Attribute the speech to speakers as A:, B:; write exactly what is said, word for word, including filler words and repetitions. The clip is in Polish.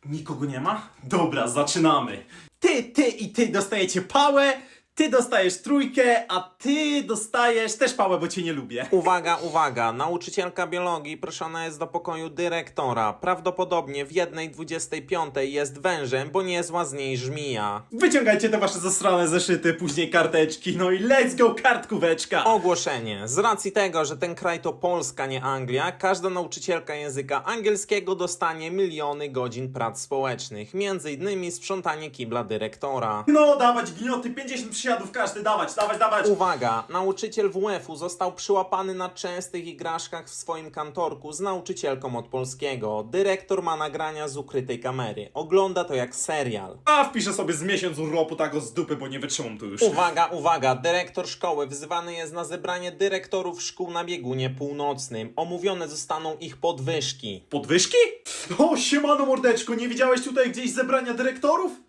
A: Nikogo nie ma? Dobra, zaczynamy. Ty, ty i ty dostajecie pałę, ty dostajesz trójkę, a ty dostajesz też pałę, bo cię nie lubię.
B: Uwaga, uwaga, nauczycielka biologii proszona jest do pokoju dyrektora. Prawdopodobnie w jednej dwudziestej piątej jest wężem, bo niezła z niej żmija.
A: Wyciągajcie te wasze zasrane zeszyty, później karteczki, no i let's go kartkóweczka!
B: Ogłoszenie. Z racji tego, że ten kraj to Polska, nie Anglia, każda nauczycielka języka angielskiego dostanie miliony godzin prac społecznych. Między innymi sprzątanie kibla dyrektora.
A: No dawać gnioty, pięćdziesiąt przysiadów każdy, dawać, dawać, dawać!
B: Uwaga! Nauczyciel W F u został przyłapany na częstych igraszkach w swoim kantorku z nauczycielką od polskiego. Dyrektor ma nagrania z ukrytej kamery. Ogląda to jak serial.
A: A wpiszę sobie z miesiąc urlopu tak z dupy, bo nie wytrzymam tu już.
B: Uwaga, uwaga! Dyrektor szkoły wzywany jest na zebranie dyrektorów szkół na biegunie północnym. Omówione zostaną ich podwyżki.
A: Podwyżki? O, siemano mordeczko, nie widziałeś tutaj gdzieś zebrania dyrektorów?